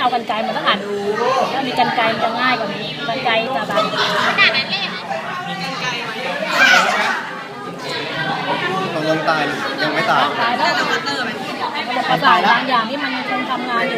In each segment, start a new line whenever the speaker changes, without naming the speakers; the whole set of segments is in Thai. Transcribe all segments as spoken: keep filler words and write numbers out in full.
เอากรรไกรมาต้องหันถ้ามีกรรไกรมันจะง่ายกว่านี้กรรไกรจะแบบขนาดนั้นเลย
ตกลงตายยังไม่ตาย
ตายแล้วประสาทบางอย่างที่มันคงทำงานอยู่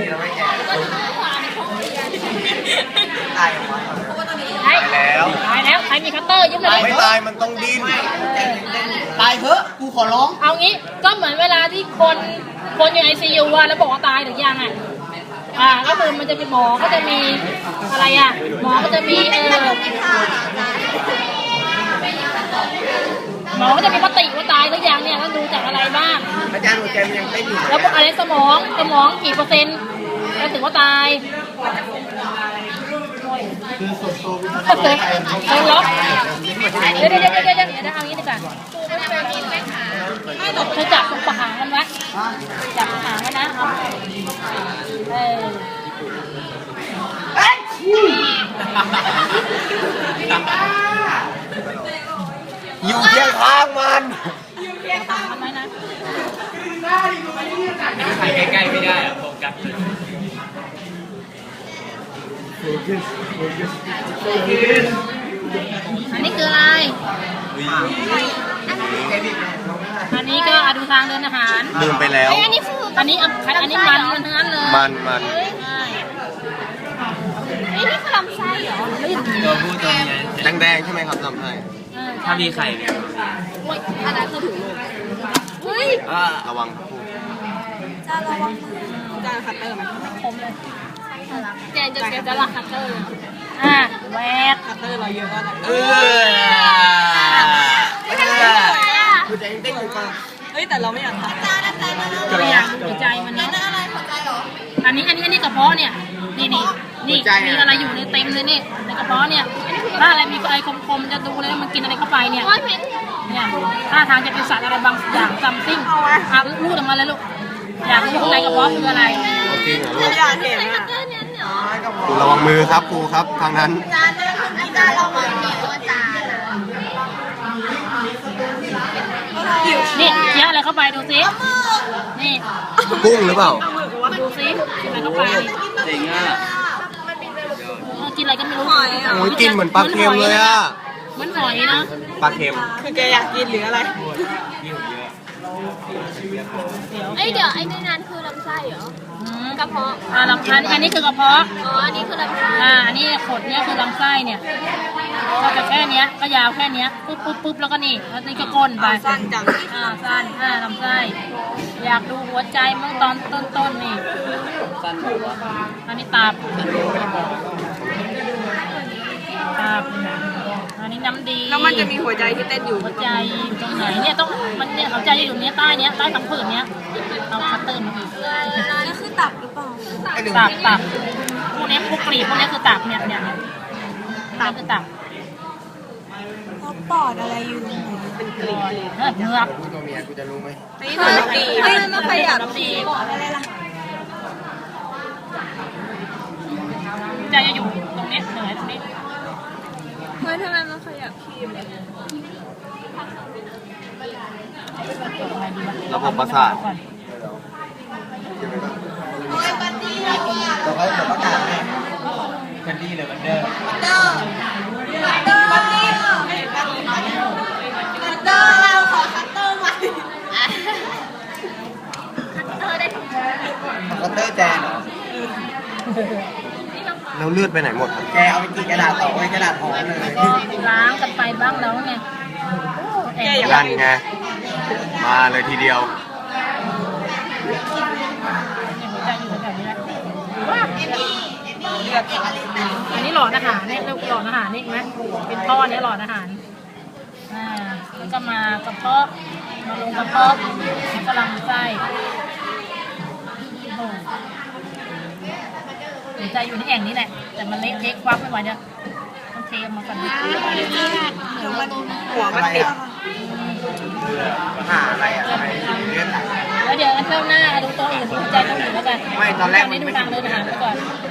ตายแล้ว
ตายแล้วใครมีคัตเตอร์ยิ้มเลย
ไม่ตายมันต้องดิ้นตายเถอะกูขอร้อง
เอางี้ก็เหมือนเวลาที่คนคนอยู่ไอซียูว่าแล้วบอกว่าตายหรือยังอ่ะอ่าก็คือมันจะมีหมอก็จะมีอะไรอ่ะหมอก็จะมีเออหมอก็จะมีปฏิว่าตายหรือยังเนี่ยต้องดูจากอะไรบ้าง
อาจารย์หัวใจมันยังเต้นอยู่
แล้วอะไรสมองสมองกี่เปอร์เซ็นต์แล้วถึงว่าตาย
คือสุดโต่ง
โอเคเดี๋ยวล็อกเดี๋ยวเดี๋ยวเดี๋ยวเดี๋ยวเดี๋ยวเอางี้ดีกว่าเธอจับตรงปากหางมันไว้จับปากหางไว้นะเออ
อยู่เคียงข้างมัน
อยู่เคียงข้างมันไหมนะ
ถ่ายใกล้ๆไม่ได้อะโฟกัส
อันนี้คืออะไรอันนี้ก็ดูทางเดินอาหาร
ลืมไปแล้ว
อันนี้อันนี้อันนี้มันมันทั้งนั้นเลย
มันมัน
ไอ้นี่คือลำไส้เหรอ
ตัวผู้ตัวเมีย
แดงๆใช่ไหมครับลำไส้
ถ้ามีไข่เนี่ย
อันนั้นคือถุงลมเฮ้ย
ระวังครับผู้
จะระวังมือจะคัตเตอร์มันคมเลยแกจะแกจะละคัตเตอร์อ่ะแหวกคัตเตอร์เราเยอะก็ได้เออ
หัวใจเต้นอยู่ป่ะ
เฮ้ยแต่เราไม่อยากทำเราอยากหัวใจมันเนาะอันนี้อันนี้อันนี้กระเพาะเนี่ยนี่นี่นี่มีอะไรอยู่ในเต็มเลยนี่ในกระเพาะเนี่ยถ้าอะไรมีอะไรคมๆจะดูเลยว่ามันกินอะไรเข้าไปเนี่ยเนี่ยถ้าทางจะเป็นสัตว์อะไรบางอย่างซัมซิ่งอ่ะรูดออกมาเลยลูกอยากรู้ในกระเพาะคืออะไร
จริงเหรอลูก
อยากเห็นอ่ะ
ครูระวังมือครับครูครับทางนั้น
จานนั้นอาจารย์ระวังมือว่าจานนี่เคี้ยวอะไรเข้าไปดูสินี่
กุ้งหรือเปล่า
ดูสิกินอะไรเข้าไป
จริงอ่ะ
กินอะไรก็ไม่รู้
โอ้ยกินเหมือนปลาเค็มเลยอ่ะ
เหมือนหอยนะ
ปลาเค็ม
คือแกอยากกินหรืออะไร
ไอเดี๋ยวไอ้ในนั้นคือลำไส้เหรอกระเพาะ
อ่าลำไส้อันนี้คือกระเพาะ
อ๋ออันนี้คือลำไส้
อ่าอันนี้ขดเนี้ยคือลำไส้เนี่ยก็จะแค่เนี้ยก็ยาวแค่เนี้ยปุ๊บปุ๊บปุ๊บแล้วก็นี่แล้วนี่ก็ก้นไป
สั้นจัง
อ่าสั้นอ่าลำไส้อยากดูหัวใจมั้งตอนต้นๆนี่
สั้น
อันนี้ตับตับอันนี้น้ำดี
แล้วมันจะมีหัวใจที่เต้นอยู่
หัวใจตรงไหนเนี่ยต้องมันเนี่ยหัวใจจะอยู่เนี้ยใต้เนี้ยใต้ผังผืดเนี้ยเอาคัตเตอร์มาอีก
นี่คือตับหรือเปล่า
ตับตับพวกนี้พวกปลีพวกนี้คือตับเนี่ยเนี่ยตับคือตับ
แล้วปอดอะไรอยู่
เป็นกลีบเนื้อเนื้อ
ตัวเมียกูจะรู้ไหม
นี่ตัวน้ำดีไม่ไม่ขยับดีปอดอะไรล่ะ
ใจจะอยู่ตรงนี้เหนือตรงนี้
เฮ้ยทำไมมันขยับคีบเลย
ระบบประสาทเราให้แบบประกาศไหม
กันดีเลยมันเดิม
มันเดิมมันเดิมมันเดิมมันเดิมเราขอคัตเตอร์ใหม่คัตเตอร์ได้ทุก
คัตเตอร์แจนเหรอแล้วเลือดไปไหนหมดครับแกเอาไปกินกระดาษต่อไว้กระดาษห่อเลย
ล้างกันไปบ้างแล้วไง
นั่นไงมาเลยทีเดียว
อันนี้หลอดอาหารเนี่ยเรียกหลอดอาหารนี่ไหมเป็นท่อนี้หลอดอาหารอ่าแล้วก็มากระเพาะมาลงกระเพาะแล้วก็ลำไส้หัวใจอยู่ในแอ่งนี้แหละแต่มันเล็กเทคควักไม่ไหวเนี่ยต้องเทมาก่อน
เดี๋ยวมันหัวมันติด
หาอะไรอะอะไรเลือด
แล้วเดี๋ยวเจ้าหน้าดูตัวอื่นดูใจตัวอื่นแล้วกัน
ไม่ตอนแรก
ไม่ดูทางเดินอาหารไปก่อน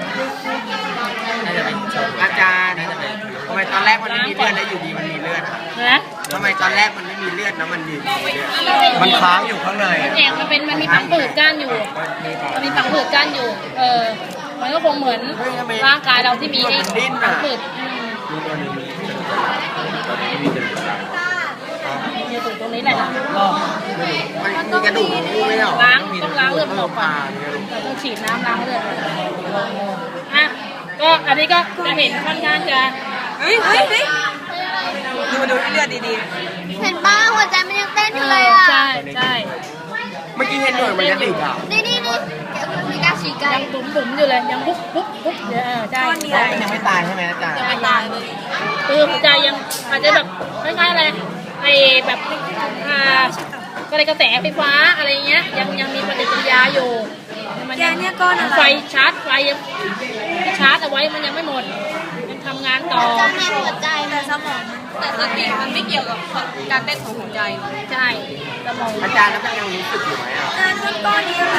อาจารย์ทำไมตอนแรกมันไม่มีเลือดแล้วอยู่ดีมันมีเลือด
นะ
ทำไมตอนแรกมันไม่มีเลือดแล้วมันดีมันค้างอยู่ข้างใน
แอ่งมันเป็นมันมีผังผืดก้านอยู่มันมีผังผืดก้านอยู่เออมันก็คงเหมือนร่างกายเราที่มีไอ้ผืด
ดูตัวนี้มีตัวนี้มีกระดูกอะไร
เนี่ยตรงตรงนี้แหละ
มันมีกระดูกงูไม่หรอ
ล้างต้องล้างเลือดออกก่อน
มีกระดูก
เราต้องฉีดน้ำล้างเลือดอ่ะก็อันนี้ก็จะเห็นค่อนข้างจะ
เฮ้ยเฮ้ยเฮ้ยดูดูที่เลือดดี
เห็นป้าหัวใจมันยังเต้นอยู่เลยอ่ะ
ใช่ใช่
เมื่อกี้เห็นหน่วยมันกระดิกอ่ะ
นี่นี่นี่แกคือมีการฉีกไก่
ยังบุ๋มบุ๋มอยู่เลยยังปุ๊บปุ๊บปุ๊บเออใช่ใช่
มันยังไม่ตายใช่ไหมอาจารย์
ยังไม่ตายเลยคือหัวใจยังอาจจะแบบคล้ายๆอะไรไอ้แบบอ่าก็เลยกระแสไฟฟ้าอะไรเงี้ยยังยังมีปฏิกิริยาอยู่มัน
ๆแกเนี่ยก้อนอะไร
ไฟชาร์จไฟยังที่ชาร์จเอาไว้มันยังไม่หมดยังทำงานต่อ
จะในหัวใจ
แต่สมองมันแต่สติมันไม่เกี่ยวกับการเต้นของหัวใจ
ใช่สมอง
อาจารย์แล้วมันยังรู้สึกอยู่ไหมอ่ะ
ก้อนนี้